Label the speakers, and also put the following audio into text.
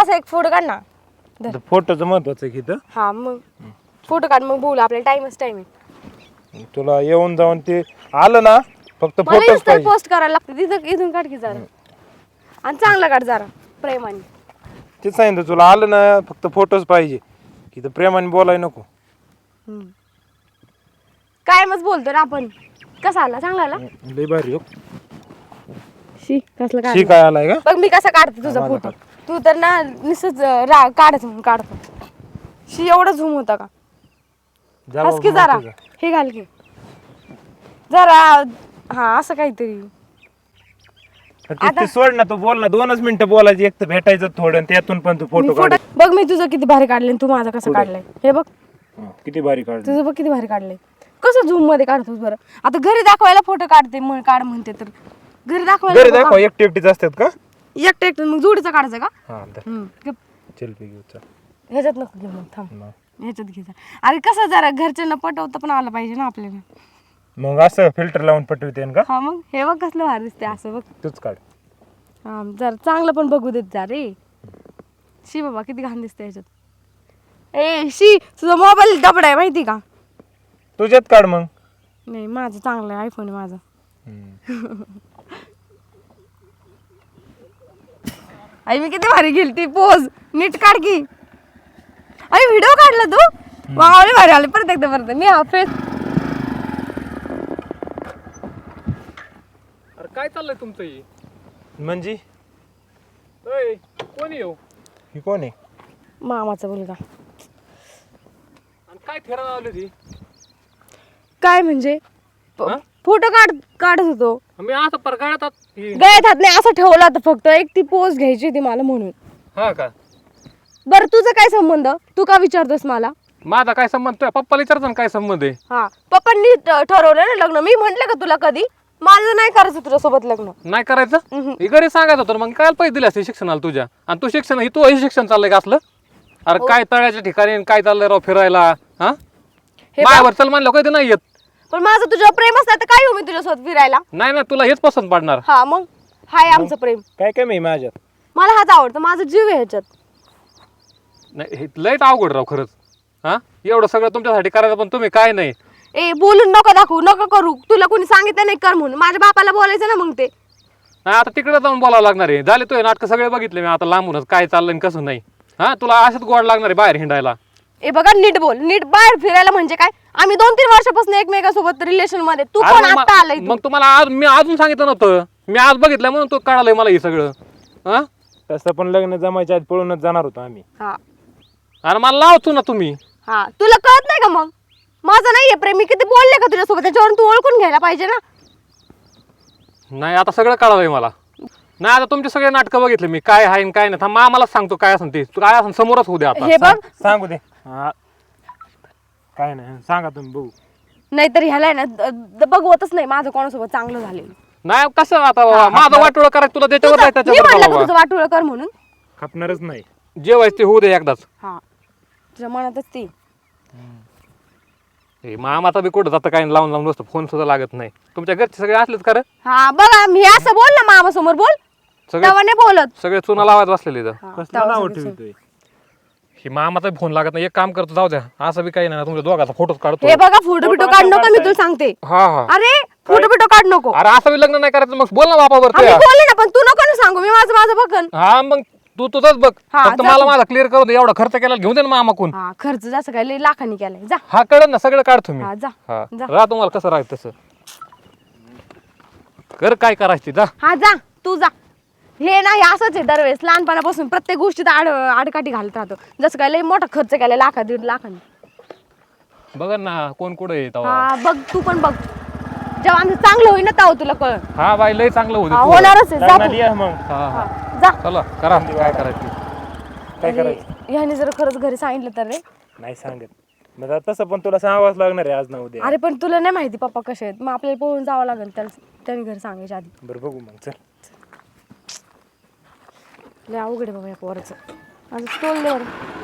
Speaker 1: असा एक फोटो काढ ना.
Speaker 2: फोटोचं महत्वाचं आहे इथं.
Speaker 1: हा मग फोटो काढ मग बोलू आपल्याला टाइमच टाइम आहे.
Speaker 2: तुला येऊन जाऊन ते आलं ना फक्त
Speaker 1: मला
Speaker 2: फोटोच
Speaker 1: इन्स्टा
Speaker 2: पाहिजे.
Speaker 1: पोस्ट करायला लागते तिथं इथून काढ की जरा आणि चांगला काढ जरा प्रेमाने.
Speaker 2: ते सांगितलं तुला आलं ना फक्त फोटोच पाहिजे. इथं प्रेमाने बोलाय नको.
Speaker 1: काय मग बोलतो ना आपण. कसा आला चांगला आला.
Speaker 2: लय भारी हो.
Speaker 1: शी कसलं
Speaker 2: शी
Speaker 1: काय
Speaker 2: काय आलाय का?
Speaker 1: बघ मी कसा काढते तुझा फोटो. तू तर ना निसच काढत म्हणून काढतो. शी एवढा झूम होता का.
Speaker 2: जा
Speaker 1: हस की
Speaker 2: बाबा,
Speaker 1: जरा
Speaker 2: माहिती का?
Speaker 1: हे घाल की जरा. हा असं काहीतरी.
Speaker 2: ते सोड ना तू बोल ना 2च मिनिटं बोलायची. एक तर भेटायचं थोडं आणि त्यातून पण तू फोटो काढ.
Speaker 1: बघ मी तुझं किती भारी काढलंय तू माझा कसं काढलंय हे बघ.
Speaker 2: किती भारी काढ.
Speaker 1: तुझं बघ किती भारी काढलंय. कसं झूम मध्ये काढतोस बरं. आता घरी दाखवायला फोटो काढते काढ म्हणते तर घरी दाखवायला
Speaker 2: घरी दाखव एकटे एकटीच असतात का?
Speaker 1: एकटं एकटं मग जोडीचा काढायचा का.
Speaker 2: हा
Speaker 1: गप.
Speaker 2: चल पे घेऊ चल.
Speaker 1: ह्याच्यात नको घेऊ मग थांब ह्याच्यात घे जा. अरे कसं जरा घरच्यांना पटवता पण आलं पाहिजे ना आपल्याला.
Speaker 2: मग असं फिल्टर लावून पटवते का?
Speaker 1: हा मग हे बघ कसलं भारी दिसते असं बघ.
Speaker 2: तूच काढ.
Speaker 1: हा जरा चांगलं पण बघू देत जा रे. शी बाबा किती घाण दिसते ह्याच्यात. ए शी तुझा मोबाईल दबडा आहे माहिती का.
Speaker 2: तुझ्यात काढ मग.
Speaker 1: नाही माझं चांगलं आहे आयफोन आहे माझा. आई मी किती भारी गेली ती पोज नीट काढ की. अरे व्हिडिओ काढला तू. मावळे भारी आले परत एकदा परत मी हा फेस.
Speaker 3: अरे काय चाललंय तुमचं हे?
Speaker 2: म्हणजे
Speaker 3: ओय, कोण येऊ
Speaker 2: ही कोण आहे?
Speaker 1: मामाचा मुलगा.
Speaker 3: आणि काय फिरायला लावली ती?
Speaker 1: काय म्हणजे
Speaker 3: हा?
Speaker 1: फोटो काढत होतो.
Speaker 3: मी असं परगाळतात
Speaker 1: गळ्यात हात नाही असं ठेवला होता फक्त एक ती पोज घ्यायची होती मला म्हणून.
Speaker 3: हा का?
Speaker 1: बरं तुझा काय संबंध तू का विचारतोस मला.
Speaker 3: माझा काय संबंध तुझ्या पप्पाला विचारतो ना काय संबंध आहे.
Speaker 1: हा पप्पांनी ठरवलं ना लग्न. मी म्हंटल का तुला कधी माझं नाही करायचं तुझ्यासोबत लग्न.
Speaker 3: नाही करायचं हे घरी सांगायचं होतं ना, मग काय पैसे दिले असते शिक्षणाला तुझ्या. आणि तू शिक्षण तू हे शिक्षण चाललंय का असलं. अरे काय तळ्याच्या ठिकाणी आणि काय चाललंय राव फिरायला. हा
Speaker 1: हे
Speaker 3: माझ्यावर चल म्हणलं कधी नाही येत.
Speaker 1: पण माझं तुझ्यावर प्रेम असतं तर काय येऊ मी तुझ्यासोबत फिरायला.
Speaker 3: नाही ना तुला हेच पसंत पडणार.
Speaker 1: हा मग हाय आमचं प्रेम.
Speaker 2: काय कमी आहे माझ्यात?
Speaker 1: मला हाच आवडतं माझा जीव आहे ह्याच्यात.
Speaker 3: नाही हे लयच अवघड राव खरंच. हा एवढं सगळं तुमच्यासाठी करायचं पण तुम्ही काय नाही.
Speaker 1: ए बोलून नको दाखवू नको करू. तुला कोणी सांगितलं नाही कर म्हणून. माझ्या बापाला बोलायचं ना मग ते.
Speaker 3: नाही आता तिकडे जाऊन बोलावं लागणार आहे. झाले तुझे नाटक सगळे बघितले मी आता लांबूनच काय चाललंय कसं नाही. हा तुला असंच गोड लागणार आहे बाहेर हिंडायला.
Speaker 1: ए बघा नीट बोल. नीट बाहेर फिरायला म्हणजे काय. आम्ही 2-3 वर्षापासून एकमेकांसोबत रिलेशन मध्ये. तू
Speaker 3: अरे
Speaker 1: पण
Speaker 3: मग
Speaker 1: आता आलाय.
Speaker 3: मग तुम्हाला आज मी अजून सांगितलं नव्हतं. मी आज बघितलं म्हणून तू कळालंय मला हे सगळं. हा
Speaker 2: तसं पण लग्न जमायच्या आधी पळूनच जाणार होतो आम्ही.
Speaker 1: हा
Speaker 3: अरे मला लावतो ना तुम्ही.
Speaker 1: हा तुला कळत नाही का मग. माझं नाहीये प्रेम. मी किती बोलले का तुझ्यासोबत त्याच्यावरून तू ओळखून घ्यायला पाहिजे ना.
Speaker 3: नाही आता सगळं कळालंय मला. नाही आता तुमचे सगळे नाटकं बघितले मी काय आहे काय नाही. थांब मला सांगतो काय असं ते. तू काय असं समोरच होऊ दे आता.
Speaker 1: हे बघ
Speaker 2: सांगू दे. हा काय नाही सांगा तुम्ही बघू.
Speaker 1: नाहीतर ह्याला आहे ना बघवतच नाही माझं कोणासोबत चांगलं झालेलं.
Speaker 3: नाही कसं आता माझं वाटोळं करायचं तुला त्याच्यावर
Speaker 1: मी म्हणलं का
Speaker 3: त्याच्यावर
Speaker 1: तुझं वाटोळं कर म्हणून.
Speaker 2: खपणारच नाही.
Speaker 3: जेवायचं ते होऊ दे एकदाच.
Speaker 1: हा तुझ्या मनातच ती.
Speaker 3: हे मामाचा बी कुठं जातं काय लावून लावून बसतो. फोन सुद्धा लागत नाही. तुमच्या घरचे सगळे असलेच खरं.
Speaker 1: हा बघा मी असं बोल ना मामा समोर बोल.
Speaker 3: सगळे
Speaker 1: तेव्हा नाही बोलत.
Speaker 3: सगळे चुना लावायचं बसलेले इथं.
Speaker 1: हा,
Speaker 2: कसलं
Speaker 1: तेव्हा
Speaker 2: नाव
Speaker 1: सगळं
Speaker 2: ठेवतोय?
Speaker 3: ही मामाचा फोन लागत नाही. एक काम करतो जाऊ द्या. असं बी काही नाही तुमच्या दोघांचा फोटोच काढतो.
Speaker 1: हे बघा फोटो बिटो काढ नको मी तुला सांगते.
Speaker 3: हा हा
Speaker 1: अरे फोटो बिटो काढ नको.
Speaker 3: अरे असं बी लग्न नाही करायचं मग बोल ना बापावर
Speaker 1: आम्ही बोलले ना पण तू नको ना सांगू. मी माझं माझं बघन.
Speaker 3: हा मग तू तुझंच बघ.
Speaker 1: हा,
Speaker 3: फक्त मला माझा क्लिअर करू दे. एवढा खर्च केला घेऊन दे ना मामाकून.
Speaker 1: हा खर्च जास्त काय लय लाखांनी केलाय. जा
Speaker 3: हा कळलं ना सगळं काढतो मी.
Speaker 1: हा जा
Speaker 3: हा
Speaker 1: जा.
Speaker 3: राह तुम्हाला कसं राहायचं तसं कर काय करायचं ते, जा.
Speaker 1: हा जा तू जा. हे नाही असंच आहे दरवेळेस लहानपणापासून प्रत्येक गोष्टीत आडकाठी घालत राहतो. जसं काय लय मोठा खर्च केलाय 1,00,000-1,50,000 लाखांनी.
Speaker 3: बघ ना कोण कुठे येत.
Speaker 1: हा बघ तू पण बघ. जेव्हा आमचं चांगलं होईल ना तेव्हा तुला कळ.
Speaker 3: हा बाई लय चांगलं होतं.
Speaker 1: होणारच आहे. जा
Speaker 2: लग्नाला
Speaker 1: तू.
Speaker 2: ये मग.
Speaker 3: हा हा
Speaker 1: जा.
Speaker 3: चला करा काय करायचं.
Speaker 2: काय करायचं?
Speaker 1: ह्याने जर खरंच घरी सांगितलं तर रे.
Speaker 2: नाही सांगत. मग आता तसं पण तुला सांगावंच लागणार आहे आज ना उद्या.
Speaker 1: अरे पण तुला नाही माहिती पप्पा कसे आहेत. मग आपल्याला पळून जावं लागेल त्याने घरी सांगायच्या आधी.
Speaker 2: बरं बघू मग चल.
Speaker 1: लय अवघड आहे बाबा या पोराचं. माझं स्टोल दे बरं.